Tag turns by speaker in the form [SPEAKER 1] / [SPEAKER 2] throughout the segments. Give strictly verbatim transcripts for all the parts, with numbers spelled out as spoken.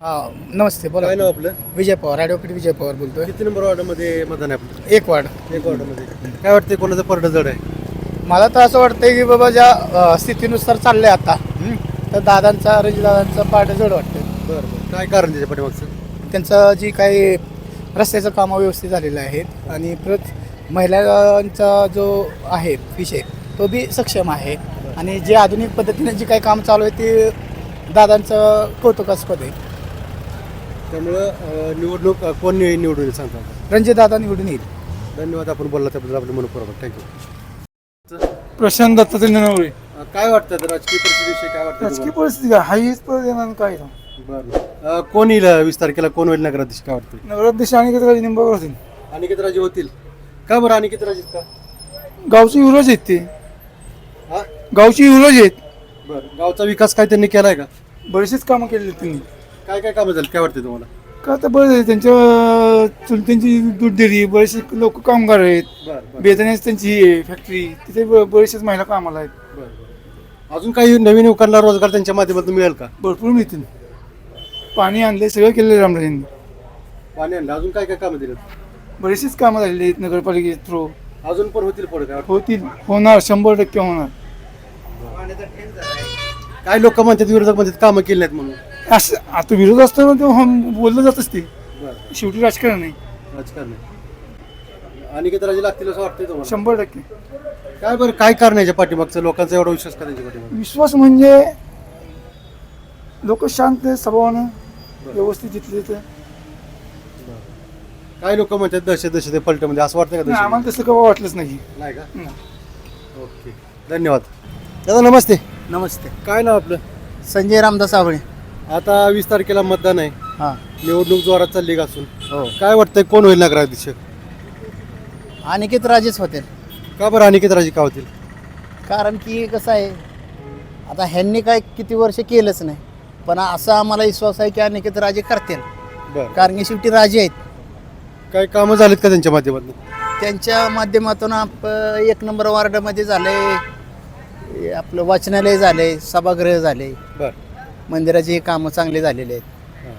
[SPEAKER 1] हा नमस्ते बोला.
[SPEAKER 2] काय नाव आपलं?
[SPEAKER 1] विजय पवार, ॲडव्होकेट विजय पवार बोलतोय.
[SPEAKER 2] किती नंबर वॉर्डामध्ये मतदान आहे आपलं?
[SPEAKER 1] एक वार्ड.
[SPEAKER 2] एक वॉर्डामध्ये. काय वाटतंय कोणाचं परड जड आहे?
[SPEAKER 1] मला तर असं वाटतंय की बाबा ज्या अ, स्थितीनुसार चाललंय आता हं, तर दादांचा रणजितदादांचा पाठ जड वाटतं.
[SPEAKER 2] बरं बरं. काय कारण त्याच्या पाठीमागचं?
[SPEAKER 1] त्यांचं जी काही रस्त्याचं कामं व्यवस्थित झालेलं आहेत आणि परत महिलांचा जो आहे विषय तो बी सक्षम आहे आणि जे आधुनिक पद्धतीने जे काही काम चालू आहे ते दादांचं कौतुकास्पद आहे.
[SPEAKER 2] त्यामुळं अं, निवडणूक अं, कोण नि- निवडून येईल सांगता का?
[SPEAKER 1] रणजितदादा निवडून येईल.
[SPEAKER 2] धन्यवाद. आपण बोलला त्याबद्दल आपलं मनपूर्वक थँक्यू.
[SPEAKER 3] प्रशांत दत्तात्रय नवरे.
[SPEAKER 2] काय वाटतं आता राजकीय परिस्थितीविषयी काय वाटतं
[SPEAKER 3] राजकीय
[SPEAKER 2] तुम्हाला?
[SPEAKER 3] परिस्थिती काय हा हीच परत येणार काय
[SPEAKER 2] बरं अं, कोण येईल वीस तारखेला कोण होईल नगराध्यक्ष काय वाटतं?
[SPEAKER 3] नगराध्यक्ष आणि राजे निंबाळकर होतील.
[SPEAKER 2] अनिकेत राजे होतील का? बरं अनिकेत राजे का?
[SPEAKER 3] गावचे युवराज आहेत ते
[SPEAKER 2] हा
[SPEAKER 3] गावचे युवराज आहेत.
[SPEAKER 2] बरं. गावचा विकास काय त्यांनी केलाय का?
[SPEAKER 3] बरेचसेच कामं केलेली आहेत त्यांनी.
[SPEAKER 2] काय काय कामं झाली काय वाटतं तुम्हाला?
[SPEAKER 3] का आता बरं आहे त्यांच्या चुलत्यांची दूध डेअरी बरेचसे लोक कामगार आहेत.
[SPEAKER 2] बरं बरं
[SPEAKER 3] बेतण्याची त्यांची ही आहे फॅक्टरी तिथे ब- बरेचसेच महिला कामाला आहेत.
[SPEAKER 2] बरं बरं. अजून काही नवीन युवकांना रोजगार त्यांच्या माध्यमातून मिळेल का?
[SPEAKER 3] भरपूर मिळतील. पाणी आणले सगळं केलेलं रामराजेंनी.
[SPEAKER 2] पाणी आणलं. अजून काय काय कामं दिलं?
[SPEAKER 3] बरेचसेच कामं झालेली आहेत नगरपालिके थ्रू.
[SPEAKER 2] अजून पण होतील पुढे काय वाटतं?
[SPEAKER 3] होतील होणार शंभर टक्के होणार.
[SPEAKER 2] काय लोक म्हणतात विरोधक म्हणतात कामं केली नाहीत म्हणून.
[SPEAKER 3] असं आता विरोध असतो ते हम- बोललं जातच ते
[SPEAKER 2] बरं.
[SPEAKER 3] शेवटी राजकारण नाही.
[SPEAKER 2] राजकारण अनिकेत राजे लागतील असं वाटतंय तुम्हाला?
[SPEAKER 3] शंभर टक्के
[SPEAKER 2] काय बरं काय कारण याच्या पाठीमागचं लोकांचा एवढा विश्वास का त्यांच्या पाठीमागं?
[SPEAKER 3] विश्वास म्हणजे लोक शांत स्वभावानं व्यवस्थित जिथले तिथे.
[SPEAKER 2] काय लोक म्हणतात दहशत दहशत पलटमध्ये असं वाटतं का
[SPEAKER 3] नाही,
[SPEAKER 2] दहशत?
[SPEAKER 3] आम्हाला तसं कवा वाटलंच नाही.
[SPEAKER 2] नाही का?
[SPEAKER 3] नाही.
[SPEAKER 2] ओके धन्यवाद. दादा नमस्ते.
[SPEAKER 1] नमस्ते.
[SPEAKER 2] काय नाव आपलं?
[SPEAKER 1] संजय रामदास आवळे.
[SPEAKER 2] आता वीस तारखेला मतदान आहे.
[SPEAKER 1] हां
[SPEAKER 2] निवडणूक जोरात चालली का असून
[SPEAKER 1] हो.
[SPEAKER 2] काय वाटतंय कोण होईल नगराध्यक्ष?
[SPEAKER 1] अनिकेत राजेच होते.
[SPEAKER 2] का बरं अनिकेत राजे का होतील?
[SPEAKER 1] कारण की कसं आहे आता ह्यांनी काय किती वर्ष केलंच नाही पण असा आम्हाला विश्वास आहे की अनिकेत राजे करतील
[SPEAKER 2] बरं.
[SPEAKER 1] कारण की शेवटी राजे आहेत.
[SPEAKER 2] काय कामं झालीत का त्यांच्या माध्यमातून?
[SPEAKER 1] त्यांच्या माध्यमातून आप एक नंबर वार्डामध्ये झाले आपलं वाचनालय झाले सभागृह झाले
[SPEAKER 2] बरं.
[SPEAKER 1] मंदिराची हे कामं चांगले झालेले आहेत.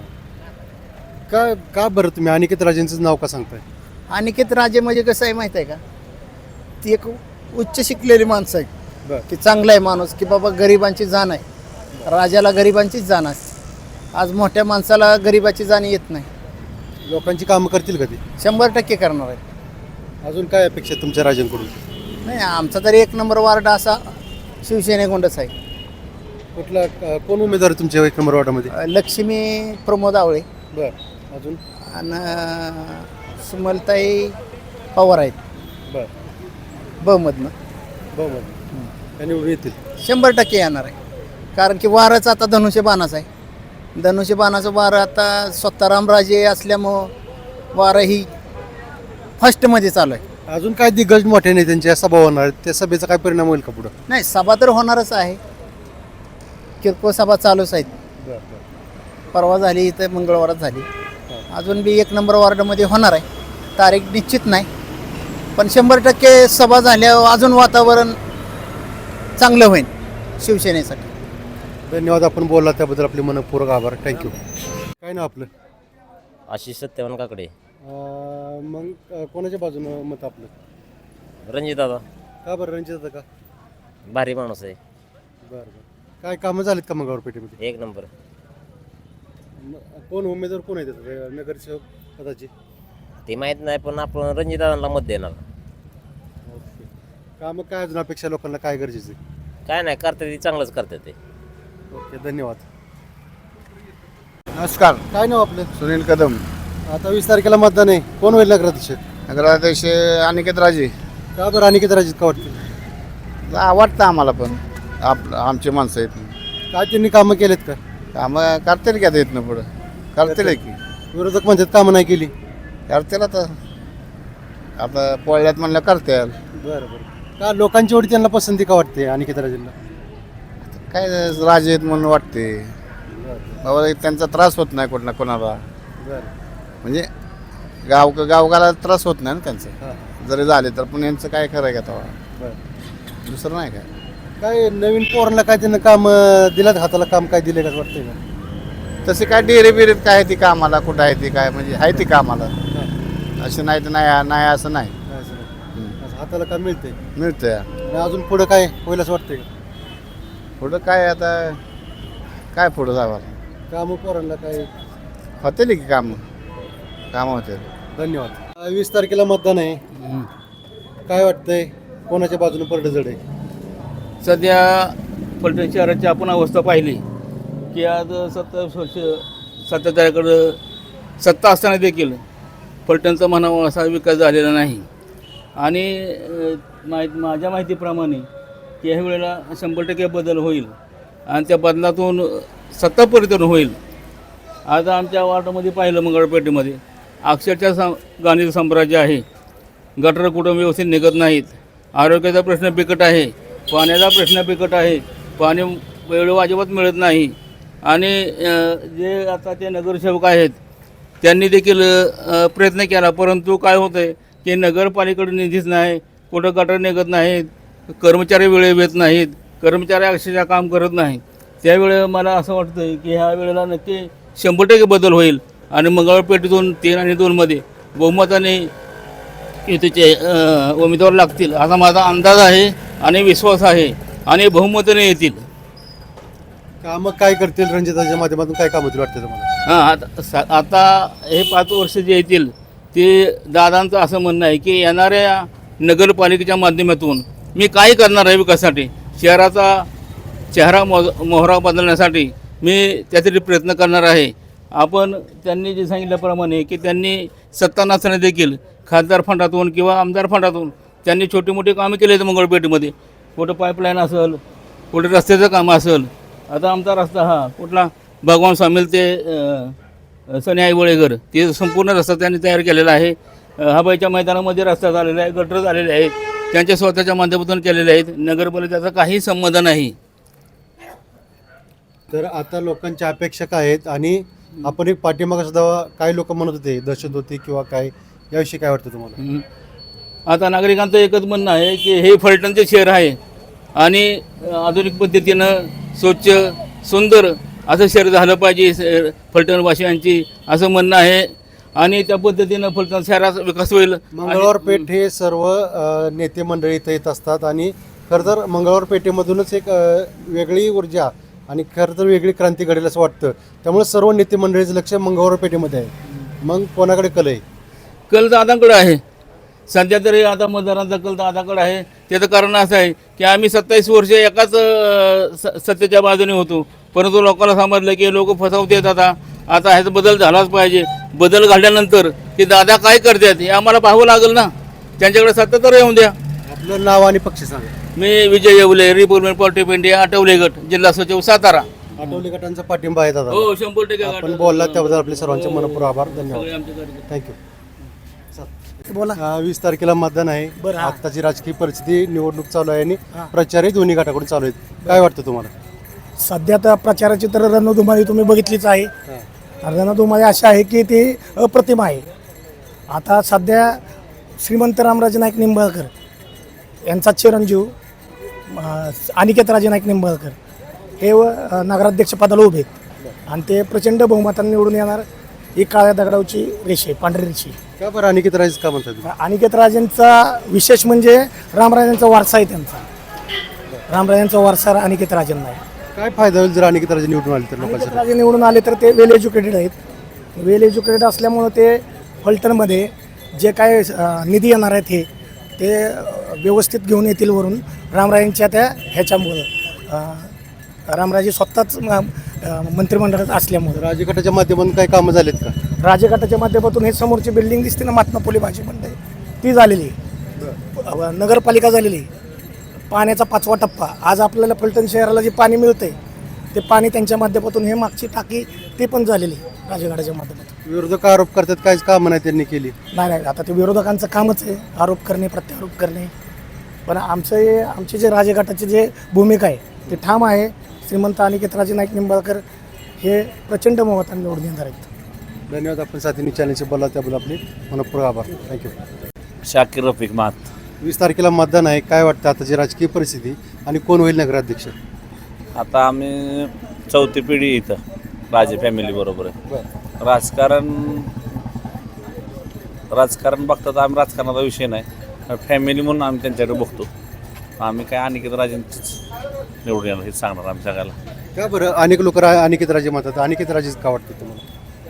[SPEAKER 2] का का बरं तुम्ही अनिकेत राजेंचं नाव का सांगताय?
[SPEAKER 1] अनिकेत राजे म्हणजे कसं आहे माहीत आहे का ती एक उच्च शिकलेली माणसं आहे
[SPEAKER 2] बरं.
[SPEAKER 1] की चांगला आहे माणूस की बाबा गरिबांची जाण आहे. राजाला गरिबांचीच जाण असते. आज मोठ्या माणसाला गरिबाची जाण येत नाही.
[SPEAKER 2] लोकांची कामं करतील का ते?
[SPEAKER 1] शंभर टक्के करणार आहे.
[SPEAKER 2] अजून काय अपेक्षा आहे तुमच्या राजांकडून?
[SPEAKER 1] नाही आमचा तरी एक नंबर वार्ड असा शिवसेनेकोंडच आहे.
[SPEAKER 2] कुठला अ, कोण उमेदवार आहे तुमच्या एक नंबर वॉर्डामध्ये?
[SPEAKER 1] अ, लक्ष्मी प्रमोद आवळे
[SPEAKER 2] बरं. अजून?
[SPEAKER 1] आणि सुमलताई पवार आहेत
[SPEAKER 2] बरं.
[SPEAKER 1] बमधनं.
[SPEAKER 2] बरं. त्या निवडून येतील.
[SPEAKER 1] शंभर टक्के येणार आहे कारण की वारच आता धनुष्यबाणाचं आहे. धनुष्यबाणाचं वारं आता स्वतः रामराजे असल्यामुळं वारं ही फर्स्टमध्ये चालू आहे.
[SPEAKER 2] अजून काय दिग्गज मोठ्या नेत्यांच्या सभा होणार आहेत, त्या सभेचा काय परिणाम होईल का पुढं?
[SPEAKER 1] नाही सभा तर होणारच आहे. किरकोळ सभा चालूच आहेत.
[SPEAKER 2] बरं बरं.
[SPEAKER 1] परवा झाली इथं मंगळवारात झाली. अजून बी एक नंबर वार्डामध्ये होणार आहे. तारीख निश्चित नाही पण शंभर टक्के सभा झाल्यावर अजून वातावरण चांगलं होईल शिवसेनेसाठी.
[SPEAKER 2] धन्यवाद. आपण बोलला त्याबद्दल आपले मनपूर्वक आभार. थँक्यू. काय नाव आपलं?
[SPEAKER 4] आशिष सत्यवान काकडे.
[SPEAKER 2] अ, मग अ, कोणाच्या बाजूनं मत आपलं?
[SPEAKER 4] रणजित दादा
[SPEAKER 2] का बरं रणजित का?
[SPEAKER 4] भारी माणूस आहे.
[SPEAKER 2] बरं बरं. काय कामं झालीत का मग पेठेमध्ये?
[SPEAKER 4] एक नंबर.
[SPEAKER 2] कोण उमेदवार कोण आहे त्याचं नगरसेवक पदाचे?
[SPEAKER 4] ते माहीत नाही पण आपण रणजित दादांना मत देणार.
[SPEAKER 2] ओके. कामं काय अजून अपेक्षा लोकांना काय गरजेचं आहे?
[SPEAKER 4] काय नाही करते ते चांगलंच करते ते.
[SPEAKER 2] ओके धन्यवाद.
[SPEAKER 5] नमस्कार.
[SPEAKER 2] काय नाव आपलं?
[SPEAKER 5] सुनील कदम.
[SPEAKER 2] आता वीस तारखेला मतदान आहे. कोण होईल नगराध्यक्ष?
[SPEAKER 5] नगराध्यक्ष अनिकेत राजे.
[SPEAKER 2] का बरं अनिकेत राजे का वाटतं?
[SPEAKER 5] आवडतं आम्हाला पण आप आमचे माणसं आहेत.
[SPEAKER 2] काय त्यांनी कामं केलेत का?
[SPEAKER 5] कामं करतील का इथनं पुढं करतील की
[SPEAKER 2] विरोधक म्हणतात कामं नाही केली.
[SPEAKER 5] करतील आता आता पोळ्यात म्हणलं करतील.
[SPEAKER 2] बरं बरं. का लोकांची एवढी त्यांना पसंती का वाटते अनिकेत राजेंना?
[SPEAKER 5] काय राजे आहेत म्हणून वाटते बाबा त्यांचा त्रास होत नाही कोणा कोणाला
[SPEAKER 2] बरं.
[SPEAKER 5] म्हणजे गाव गावगाला त्रास होत नाही ना त्यांचं
[SPEAKER 2] हां
[SPEAKER 5] जरी झाले तर पण यांचं काय खरं आहे का तेव्हा
[SPEAKER 2] बरं.
[SPEAKER 5] दुसरं नाही काय.
[SPEAKER 2] काय नवीन पोरांना काय त्यांना काम दिलं हाताला काम काय दिलं का वाटतंय का?
[SPEAKER 5] तसे काय डेरे बिरेत काय आहे ती कामाला कुठं आहे ती काय म्हणजे आहे ती कामाला असं नाही तर नाही नाही असं नाही
[SPEAKER 2] काय असं नाही. असं हाताला काम मिळते
[SPEAKER 5] मिळतंय
[SPEAKER 2] आणि अजून पुढं काय होईल असं वाटतंय का?
[SPEAKER 5] पुढं काय आता काय पुढं जावं
[SPEAKER 2] कामं पोरांना काय
[SPEAKER 5] होते की कामं कामं होते
[SPEAKER 2] धन्यवाद. अं, वीस तारखेला मतदान आहे काय वाटतंय कोणाच्या बाजूने परड जड आहे?
[SPEAKER 6] सध्या फलटण शहराची आपण अवस्था पाहिली की आज सत्तावीस वर्ष सत्ताधाऱ्याकडं सत्ता असताना देखील फलटणचा म्हणावा असा विकास झालेला नाही आणि अ, माहित माझ्या माहितीप्रमाणे की ह्या वेळेला शंभर टक्के बदल होईल आणि त्या बदलातून सत्ता परिवर्तन होईल. आज आमच्या वार्डामध्ये पाहिलं मंगळपेठेमध्ये अक्षरशः सं गांधी साम्राज्य आहे. गटर कुठं व्यवस्थित निघत नाहीत, आरोग्याचा प्रश्न बिकट आहे, पाण्याचा प्रश्न बिकट आहे, पाणी वेळेवर अजिबात मिळत नाही आणि अ, जे आता ते नगरसेवक आहेत त्यांनी देखील अ, प्रयत्न केला परंतु काय होतं आहे की नगरपालिकेकडे निधीच नाही, कुठं गटर निघत नाहीत, कर्मचारी वेळेवर येत नाहीत, कर्मचारी अक्षरशः काम करत नाहीत. त्यावेळे मला असं वाटतं आहे की ह्या वेळेला नक्की शंभर टक्के बदल होईल आणि मंगळपेठेतून तीन आणि दोनमध्ये बहुमताने युतीचे अ, उमेदवार लागतील असा माझा अंदाज आहे आणि विश्वास आहे आणि बहुमताने येतील.
[SPEAKER 2] कामं काय करतील रणजिताच्या माध्यमातून काय काम होतील वाटतं तुम्हाला?
[SPEAKER 6] हां आता सा आता हे पाच वर्ष जे येतील ते दादांचं असं म्हणणं आहे की येणाऱ्या नगरपालिकेच्या माध्यमातून मी काय करणार आहे विकासासाठी, शहराचा चेहरा मो मोहरा बदलण्यासाठी मी त्यासाठी प्रयत्न करणार आहे. आपण त्यांनी जे सांगितल्याप्रमाणे की त्यांनी सत्ता नसताना देखील खासदार फंडातून किंवा आमदार फंडातून त्यांनी छोटी मोठी कामं केली आहेत मंगळपेठेमध्ये. कुठं पाईपलाईन असेल, कुठं रस्त्याचं काम असेल. आता आमचा रस्ता हा कुठला भगवान स्वामील ते अ, सनी आईवळेघर ते संपूर्ण रस्ता त्यांनी तयार केलेला आहे. हबाईच्या मैदानामध्ये रस्ता झालेला आहे, गटर झालेले आहेत, त्यांच्या स्वतःच्या माध्यमातून केलेले आहेत. नगरपालिकेचा काही संबंध नाही.
[SPEAKER 2] तर आता लोकांच्या अपेक्षा काय आहेत आणि आपण एक पाठीमागं सुद्धा काही लोक म्हणत होते दहशत होती किंवा काय, याविषयी काय वाटतं तुम्हाला?
[SPEAKER 6] हं. आता नागरिकांचं एकच म्हणणं आहे की हे फलटणचे शहर आहे आणि आधुनिक पद्धतीनं स्वच्छ सुंदर असं शहर झालं पाहिजे स- फलटणवासियांची असं म्हणणं आहे आणि त्या पद्धतीनं फलटण शहराचा विकास होईल.
[SPEAKER 2] मंगळवार पेठ हे सर्व अ, नेते मंडळी इथं येत असतात आणि खरं तर मंगळवार पेठेमधूनच एक अ, वेगळी ऊर्जा आणि खरं तर वेगळी क्रांती घडेल असं वाटतं. त्यामुळे सर्व नेते मंडळीचं लक्ष मंगळवार पेठेमध्ये आहे. मग कोणाकडे कल आहे?
[SPEAKER 6] कल दादाकडे आहे सध्या तरी. आता मतदारांचा कल दादाकडे आहे. त्याचं कारण असं आहे की आम्ही सत्तावीस वर्ष एकाच अ, स सत्तेच्या बाजूने होतो परंतु लोकांना समजलं की लोक फसवतात. आता आता ह्याचा बदल झालाच पाहिजे. बदल घडल्यानंतर ते दादा काय करतात हे आम्हाला पाहावं लागेल ना. त्यांच्याकडे सत्ता तर येऊन द्या.
[SPEAKER 2] आपलं नाव आणि पक्ष सांगा.
[SPEAKER 6] मी Vijay Yewale, Republican Party of India, Athawale गट, जिल्हा सचिव, सातारा.
[SPEAKER 2] आठवले गटांचा पाठिंबा आहे दादा.
[SPEAKER 6] हो शंभर टक्के
[SPEAKER 2] आपण बोलला त्याबद्दल आपले सर्वांचे मनपूर्वक आभार. धन्यवाद.
[SPEAKER 6] सगळे आमचे कार्यकर्ते.
[SPEAKER 2] थँक्यू.
[SPEAKER 1] बोला.
[SPEAKER 2] अं, वीस तारखेला मतदान आहे.
[SPEAKER 1] बरं, हा.
[SPEAKER 2] आत्ताची राजकीय परिस्थिती निवडणूक चालू आहे आणि प्रचारही दोन्ही गटाकडून चालू आहेत. काय वाटतं तुम्हाला?
[SPEAKER 1] सध्या तर प्रचाराची तर रणधुमाळी तुम्ही बघितलीच आहे. रणधुमाळी अशी आहे की ती अप्रतिम आहे. आता सध्या श्रीमंत रामराजे नाईक निंबाळकर यांचा चिरंजीव अं, अनिकेत राजे नाईक निंबाळकर हे व अं, नगराध्यक्षपदाला उभे आहेत आणि ते प्रचंड बहुमताने निवडून येणार. ही काळ्या दगडावची रेषे, पांढरी रेषे.
[SPEAKER 2] का बरं अनिकेत राजेच का म्हणतात?
[SPEAKER 1] अनिकेत राजेंचा विशेष म्हणजे रामराजांचा वारसा आहे त्यांचा. रामराजांचा वारसा अनिकेत राजेंना आहे.
[SPEAKER 2] काय फायदा होईल जर अनिकेत राजे निवडून आले तर
[SPEAKER 1] अनिकेत
[SPEAKER 2] लोकांसाठी?
[SPEAKER 1] राजे निवडून आले तर ते वेल एज्युकेटेड आहेत. वेल एज्युकेटेड असल्यामुळं ते फलटणमध्ये जे काय अ, निधी येणार आहेत हे ते अ, व्यवस्थित घेऊन येतील वरून रामराजांच्या त्या ह्याच्यामुळं अ, रामराजे स्वतःच म- अ, मंत्रिमंडळात असल्यामुळं
[SPEAKER 2] राजगटाच्या माध्यमातून काही कामं झालेत का?
[SPEAKER 1] राजघाटाच्या माध्यमातून हे समोरची बिल्डिंग दिसते ना महात्मा फुले भाजी मंडळ ती झालेली आहे. नगरपालिका झालेली आहे. पाण्याचा पाचवा टप्पा आज आपल्याला फलटण शहराला जे पाणी मिळतंय ते पाणी त्यांच्या माध्यमातून हे मागची टाकी ती पण झालेली आहे राजघाटाच्या माध्यमातून.
[SPEAKER 2] विरोधक आरोप करतात काहीच कामं नाही त्यांनी केली.
[SPEAKER 1] नाही नाही आता ते विरोधकांचं कामच आहे आरोप करणे, प्रत्यारोप करणे. पण आमचं हे आमचे जे राजघाटाची जे भूमिका आहे ते ठाम आहे. श्रीमंत अनिकेत राजे नाईक निंबाळकर हे प्रचंड बहुमताने निवडून येणार आहेत.
[SPEAKER 2] धन्यवाद. आपण साथीने चॅनलचे बोला त्याबद्दल आपले मनपूर्वक आभार. थँक्यू.
[SPEAKER 4] शाकीर रफिक मात.
[SPEAKER 2] वीस तारखेला मतदान आहे. काय वाटतं आताची राजकीय परिस्थिती आणि कोण होईल नगराध्यक्ष?
[SPEAKER 4] आता आम्ही चौथी पिढी इथं राजे फॅमिली बरोबर आहे.
[SPEAKER 2] बरं
[SPEAKER 4] राजकारण राजकारण बघता तर आम्ही राजकारणाचा विषय नाही, फॅमिली म्हणून आम्ही त्यांच्याकडे बघतो. आम्ही काय अनिकेत राजेंचीच निवडून येणार हे सांगणार आम्ही सगळ्याला.
[SPEAKER 2] का बरं अनेक लोक रा अनिकेत राजे म्हणतात, अनिकेत राजेच का वाटते तुम्हाला?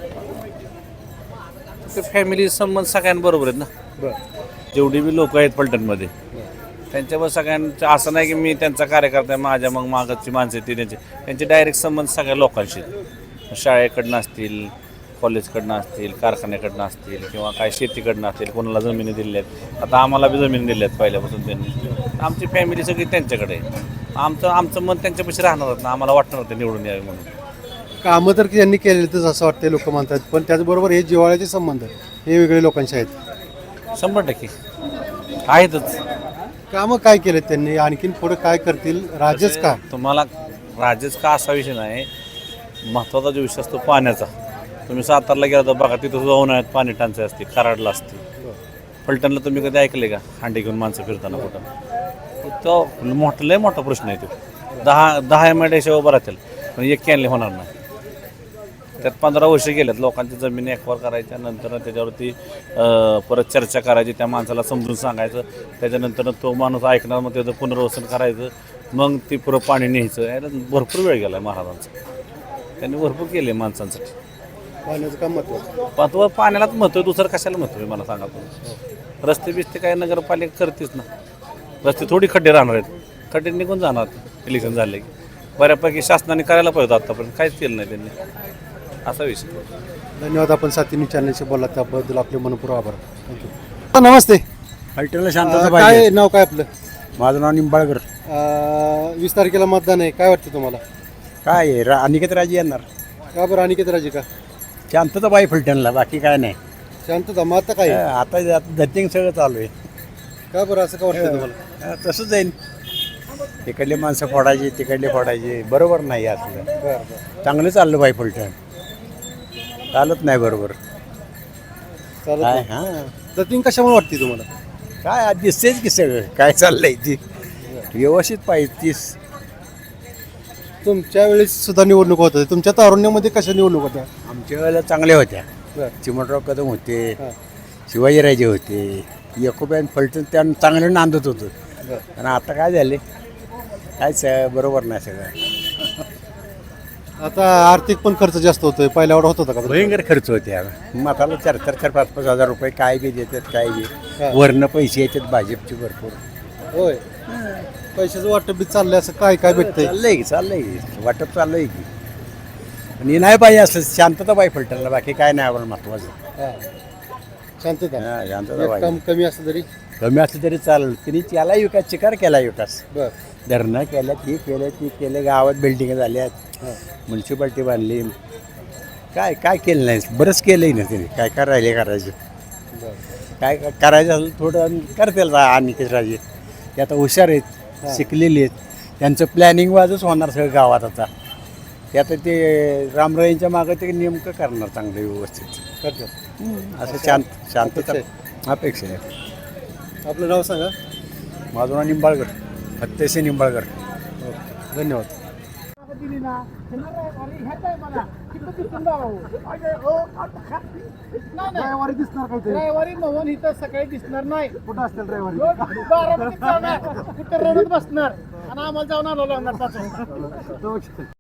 [SPEAKER 4] ते फॅमिली संबंध सगळ्यांबरोबर आहेत ना.
[SPEAKER 2] बरं
[SPEAKER 4] जेवढी बी लोक आहेत फलटणमध्ये त्यांच्यावर सगळ्यांचं असं नाही की मी त्यांचा कार्यकर्ता आहे, माझ्या मग मागची माणसं आहेत ती त्यांचे त्यांचे डायरेक्ट संबंध सगळ्या लोकांशी आहेत. शाळेकडनं असतील, कॉलेजकडनं असतील, कारखान्याकडनं असतील किंवा काय शेतीकडनं असतील, कोणाला जमिनी दिल्या आहेत. आता आम्हाला बी जमिनी दिल्या आहेत पहिल्यापासून त्यांनी. आमची फॅमिली सगळी त्यांच्याकडे आहे. आमचं आमचं मन त्यांच्यापाशी राहणार ना, आम्हाला वाटणार ते निवडून यावे म्हणून.
[SPEAKER 2] कामं तर त्यांनी केलेतच असं वाटतं लोक म्हणतात, पण त्याचबरोबर हे जिव्हाळ्याचे संबंध हे वेगळे लोकांचे आहेत.
[SPEAKER 4] शंभर टक्के आहेतच.
[SPEAKER 2] कामं काय केलेत त्यांनी, आणखीन पुढे काय करतील, राजेच का?
[SPEAKER 4] तुम्हाला राजेच का असा विषय नाही, महत्त्वाचा जो विषय असतो पाण्याचा. तुम्ही सातारला गेला तर बघा तिथं सुद्धा उन्हाळ्यात पाणी टंचाई असते, खराडला असते. फलटणला तुम्ही कधी ऐकले का हांडी घेऊन माणसं फिरताना कुठं? तो मोठा लय मोठा प्रश्न आहे तो. दहा दहा एम आय डी उभं राहतील पण एक कॅनले होणार नाही. त्यात पंधरा वर्ष गेल्यात, लोकांची जमिनी एक्वायर करायच्या नंतर त्याच्यावरती अं, परत चर्चा करायची, त्या माणसाला समजून सांगायचं, त्याच्यानंतर तो माणूस ऐकणार, मग त्याचं पुनर्वसन करायचं, मग ती पुरं पाणी न्यायचं. याला भरपूर वेळ गेला आहे महाराजांचा. त्यांनी भरपूर केले माणसांसाठी.
[SPEAKER 2] पाण्याचं काम महत्वाचं.
[SPEAKER 4] महत्व पाण्यालाच महत्व आहे, दुसरं कशाला महत्व आहे मला सांगा तुम्ही. रस्ते बिस्ते काय नगरपालिका करतेच ना. रस्ते थोडी खड्डे राहणार आहेत, खड्डे निघून जाणार इलेक्शन झाले की. बऱ्यापैकी शासनाने करायला पाहिजे होतं आत्तापर्यंत, काहीच केलं नाही त्यांनी. असा विषय.
[SPEAKER 2] धन्यवाद. आपण सातवी चॅनलशी बोलला त्याबद्दल आपले मनपूर्वक आभार. थँक्यू. नमस्ते.
[SPEAKER 7] फलटणला शांतता
[SPEAKER 2] अं,
[SPEAKER 7] पाहिजे.
[SPEAKER 2] काय नाव काय आपलं?
[SPEAKER 7] माझं नाव निंबाळकर.
[SPEAKER 2] अं, वीस तारखेला मतदान आहे, काय वाटतं तुम्हाला?
[SPEAKER 7] काय आहे, रा अनिकेत राजे येणार.
[SPEAKER 2] का बरं अनिकेत राजे का?
[SPEAKER 7] शांतता पाहिजे फलटणला, बाकी काय नाही.
[SPEAKER 2] शांतता मग आता काय?
[SPEAKER 7] अं, आता धतिंग सगळं चालू आहे.
[SPEAKER 2] का बरं असं का वाटतं तुम्हाला?
[SPEAKER 7] अं, तसंच जाईल. तिकडले माणसं फोडायची, तिकडले फोडायचे, बरोबर नाही असलं.
[SPEAKER 2] बरं बरं
[SPEAKER 7] चांगलं चाललं पाहिजे फलटण, चालत नाही बरोबर.
[SPEAKER 2] चालत
[SPEAKER 7] काय
[SPEAKER 2] नाही.
[SPEAKER 7] हां
[SPEAKER 2] जतीन कशामुळे वाटते तुम्हाला?
[SPEAKER 7] काय आज दिसतेच की सगळं काय चाललंय ती व्यवस्थित पाहिजे. तीस
[SPEAKER 2] तुमच्या वेळेस सुद्धा निवडणूक होत होत्या, तुमच्या तारुण्यामध्ये कशा निवडणूक होत्या?
[SPEAKER 7] आमच्या वेळेला चांगल्या होत्या.
[SPEAKER 2] बरं.
[SPEAKER 7] चिमणराव कदम होते,
[SPEAKER 2] हां.
[SPEAKER 7] शिवाजीराजे होते, यकोब्यान फलटण त्या चांगलं नांदत होतं.
[SPEAKER 2] बरं.
[SPEAKER 7] आणि आता काय झाले, कायच बरोबर नाही सगळं.
[SPEAKER 2] आता आर्थिक पण खर्च जास्त होतोय, पहिल्या एवढा होत होता का?
[SPEAKER 7] भयंकर खर्च होते. मताला चार चार चार पाच पाच हजार रुपये काय बी देतात, काय बी
[SPEAKER 2] हां.
[SPEAKER 7] वरनं पैसे येतात भाजपचे भरपूर.
[SPEAKER 2] होय. पैशाचं वाटप बी चाललंय, असं काय काय भेटतंय?
[SPEAKER 7] चाललंय की चाललंय की वाटप चाललंय की. आणि नाही पाहिजे असं शांतता पाहिजे फलटणला, बाकी काय नाही आम्हाला महत्वाचं.
[SPEAKER 2] हां. शांतता.
[SPEAKER 7] हां, शांतता
[SPEAKER 2] एक
[SPEAKER 7] पाहिजे.
[SPEAKER 2] काम कमी असलं तरी
[SPEAKER 7] कमी असलं तरी चालेल. तिने त्याला विकास चिकार केला विकास,
[SPEAKER 2] बर.
[SPEAKER 7] धरणं केल्या, ती केलं ती केलं, गावात बिल्डिंग झाल्यात,
[SPEAKER 2] हां.
[SPEAKER 7] म्युन्सिपाल्टी बांधली. काय काय केलं नाही, बरंच केलंय ना तिने. काय काय राहिले करायचं,
[SPEAKER 2] बर.
[SPEAKER 7] काय काय करायचं असेल थोडं करतील अनिकेत राजे. ते आता हुशार आहेत,
[SPEAKER 2] हां.
[SPEAKER 7] शिकलेले आहेत, त्यांचं प्लॅनिंग वाजच होणार सगळं गावात. आता ते आता ते रामरायांच्या मागं ते नेमकं करणार चांगलं व्यवस्थित.
[SPEAKER 2] करतात.
[SPEAKER 7] असं शांत शांतता
[SPEAKER 2] अपेक्षा
[SPEAKER 7] अपेक्षा आहे.
[SPEAKER 2] आपलं नाव सांगा.
[SPEAKER 7] माझं नाव निंबाळकर, फत्तेसिंग निंबाळकर.
[SPEAKER 2] ओके. धन्यवाद. रविवारी दिसणार काय?
[SPEAKER 1] रविवारी मोहन इथं सकाळी दिसणार नाही.
[SPEAKER 2] कुठं असतील रविवारी?
[SPEAKER 1] बारामतीत जाणार, कुठं रडत बसणार आणि आम्हाला जाऊन आलो लागणार पाच वाजता.